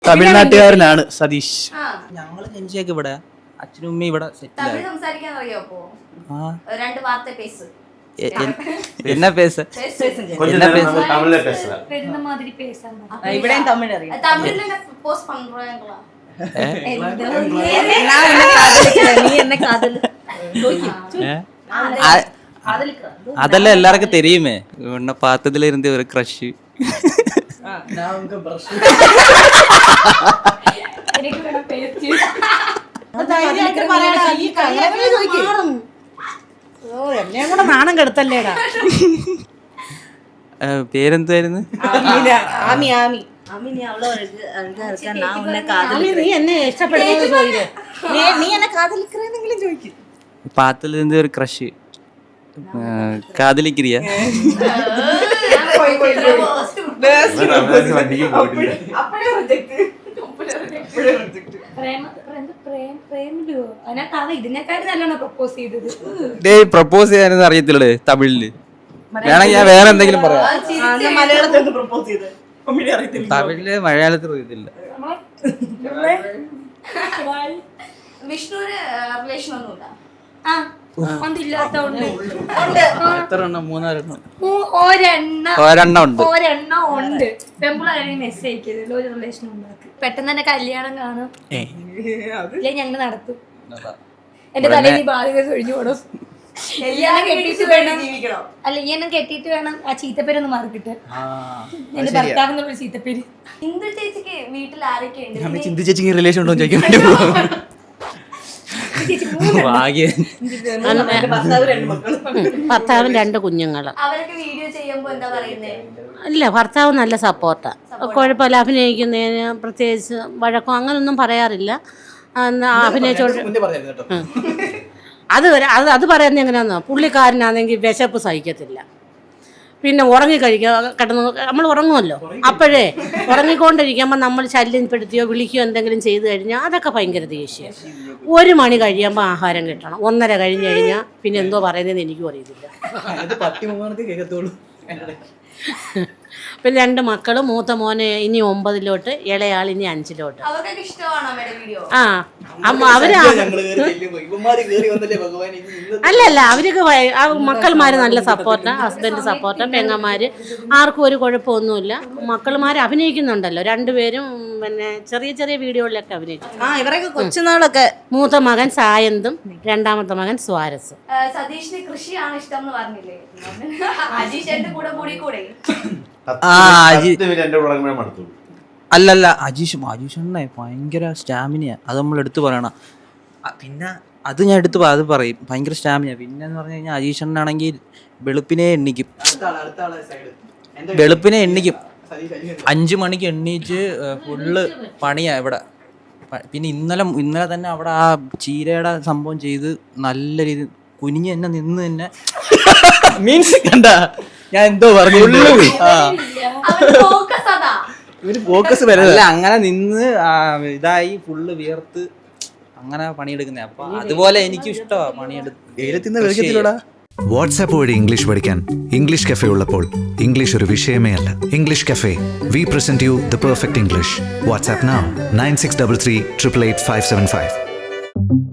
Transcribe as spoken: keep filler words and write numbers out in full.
തമിഴ്നാട്ടുകാരനാണ് സതീഷ്. ഞങ്ങള് ജനിച്ചേക്ക് ഇവിടെ, അച്ഛനും ഉമ്മയും ഇവിടെ സെറ്റിൽ ആയി. என்ன பேச என்ன பேச தமிழ்ல பேசல பெருந்த மாதிரி பேசாம இவடேன் தமிழ் அறியும் தமிழ்ல போஸ்ட் பண்றாங்களா நான் என்ன காதலிக்கிறேன் நீ என்ன காதல் அதெல்லாம் எல்லாருக்கும் தெரியுமே. உன்னை பார்த்ததுல இருந்து ஒரு க்ரஷ். நான் உங்க பிரஷ் எனக்கு வேணா பேசி ധൈര്യമായിട്ട് പറയടാ ഈ കങ്ങനെ ചോദിക്കും. ഓ എന്നെ കൂടെ നാണം കെടുത്തല്ലേടാ. പേരെന്തായിരുന്നു? ആമി ആമി നീ എന്നെ ഇഷ്ടപ്പെടുന്നത് ചോദിക്കും. നീ എന്നെ കാതലിക്കറെന്നെങ്കിലും ചോദിക്കും. பார்த்ததுல இருந்து ஒரு க்ரஷ். காதலிக்கிறியா? പ്രപ്പോസ് ചെയ്യാനൊന്നും അറിയത്തില്ലേ തമിഴില്? വേണമെങ്കിൽ ഞാൻ വേറെ എന്തെങ്കിലും പറയാം. തമിഴില് മലയാളത്തിൽ അറിയത്തില്ല. വിഷ്ണുവിന് റിലേഷൻ ഒന്നുമില്ല. ഒരെണ്ണം ഉണ്ട്. ഒരെണ്ണം ഉണ്ട്. പെമ്പിളാണെങ്കിൽ മെസ്സേജ് അയക്കരുത്. ഒരു റിലേഷൻ ഉണ്ടാക്കി പെട്ടെന്ന് തന്നെ കല്യാണം കാണും. ഇല്ലേ ഞങ്ങൾ നടത്തും. എന്റെ തലയിൽ ഈ ബാധ്യത ഒഴിഞ്ഞു പോടും. ഇയാളെ കെട്ടിയിട്ട് വേണം അല്ല ഇയാളെ കെട്ടിയിട്ട് വേണം ആ ചീത്തപ്പേരൊന്ന് മാറിക്കിട്ട്. എന്റെ ഭർത്താവിനുള്ള ചീത്തപ്പേര്. ഇന്ദു ചേച്ചിക്ക് വീട്ടിൽ ആരൊക്കെ ഉണ്ട്? ചിന്തി ചേച്ചിക്ക് റിലേഷൻ ഉണ്ടോ ചോദിക്കാൻ വേണ്ടി ഭർത്താവും രണ്ട് കുഞ്ഞുങ്ങള്. അവരൊക്കെ വീഡിയോ ചെയ്യുമ്പോ എന്താ പറയുന്നേ? ഇല്ല ഭർത്താവ് നല്ല സപ്പോർട്ടാ. കുഴപ്പമില്ല. അഭിനയിക്കുന്നതിന് പ്രത്യേകിച്ച് വഴക്കോ അങ്ങനൊന്നും പറയാറില്ല. അഭിനയിച്ചോണ്ട് അത് അത് അത് പറയുന്നത് എങ്ങനെയാണെന്നോ, പുള്ളിക്കാരനാണെങ്കിൽ വിശപ്പ് സഹിക്കത്തില്ല. പിന്നെ ഉറങ്ങിക്കഴിക്കുക കിടന്ന് നമ്മൾ ഉറങ്ങുമല്ലോ, അപ്പോഴേ ഉറങ്ങിക്കൊണ്ടിരിക്കുമ്പോൾ നമ്മൾ ശല്യപ്പെടുത്തിയോ വിളിക്കുകയോ എന്തെങ്കിലും ചെയ്തു കഴിഞ്ഞാൽ അതൊക്കെ ഭയങ്കര ദേഷ്യം. ഒരു മണി കഴിയുമ്പോൾ ആഹാരം കിട്ടണം. ഒന്നര കഴിഞ്ഞ് കഴിഞ്ഞാൽ പിന്നെ എന്തോ പറയുന്നതെന്ന് എനിക്കും അറിയത്തില്ല. പിന്നെ രണ്ട് മക്കള്, മൂത്ത മോന് ഇനി ഒമ്പതിലോട്ട്, ഇളയാൾ ഇനി അഞ്ചിലോട്ട്. ആ അവര് അല്ലല്ല അവരൊക്കെ മക്കൾമാര് നല്ല സപ്പോർട്ടാ. ഹസ്ബൻഡ് സപ്പോർട്ടാ. പെങ്ങന്മാര് ആർക്കും ഒരു കുഴപ്പമൊന്നുമില്ല. മക്കൾമാര് അഭിനയിക്കുന്നുണ്ടല്ലോ രണ്ടുപേരും. പിന്നെ ചെറിയ ചെറിയ വീഡിയോകളിലൊക്കെ അഭിനയിച്ചു. ആ ഇവരൊക്കെ കൊച്ചുനാളൊക്കെ. മൂത്ത മകൻ സായന്തും രണ്ടാമത്തെ മകൻ സ്വാരസും. സതീഷിന് കൃഷിയാണ് ഇഷ്ടം എന്ന് പറഞ്ഞില്ലേ? അജീഷന്റെ കൂടെ കൂടി കൂടെ അല്ലല്ല അജീഷ് അജീഷണ്ണേ ഭയങ്കര സ്റ്റാമിനയാ. അത് നമ്മൾ എടുത്തു പറയണം. പിന്നെ അത് ഞാൻ എടുത്ത് അത് പറയും, ഭയങ്കര സ്റ്റാമിന. പിന്നെ എന്ന് പറഞ്ഞു കഴിഞ്ഞാൽ അജീഷണ്ണാണെങ്കിൽ വെളുപ്പിനെ എണ്ണിക്കും. വെളുപ്പിനെ എണ്ണിക്കും അഞ്ചു മണിക്ക് എണ്ണീച്ച് ഫുള്ള് പണിയാ ഇവിടെ. പിന്നെ ഇന്നലെ ഇന്നലെ തന്നെ അവിടെ ആ ചീരയുടെ സംഭവം ചെയ്ത് നല്ല രീതി കുനിഞ്ഞ് തന്നെ നിന്ന് തന്നെ മീൻസ് കണ്ട ഞാൻ എന്തോ പറഞ്ഞു. ഫോക്കസ് വരല്ല അങ്ങനെ നിന്ന് ഇതായി ഫുള്ള് വിയർത്ത് അങ്ങനെ പണിയെടുക്കുന്നേ. അപ്പൊ അതുപോലെ എനിക്കും ഇഷ്ടമാണ് പണിയെടുത്ത്. വാട്സാപ്പ് വഴി ഇംഗ്ലീഷ് പഠിക്കാൻ ഇംഗ്ലീഷ് കഫേ ഉള്ളപ്പോൾ ഇംഗ്ലീഷ് ഒരു വിഷയമേ അല്ല. English cafe, we present you the perfect English. WhatsApp now nine six double three triple eight five seven five.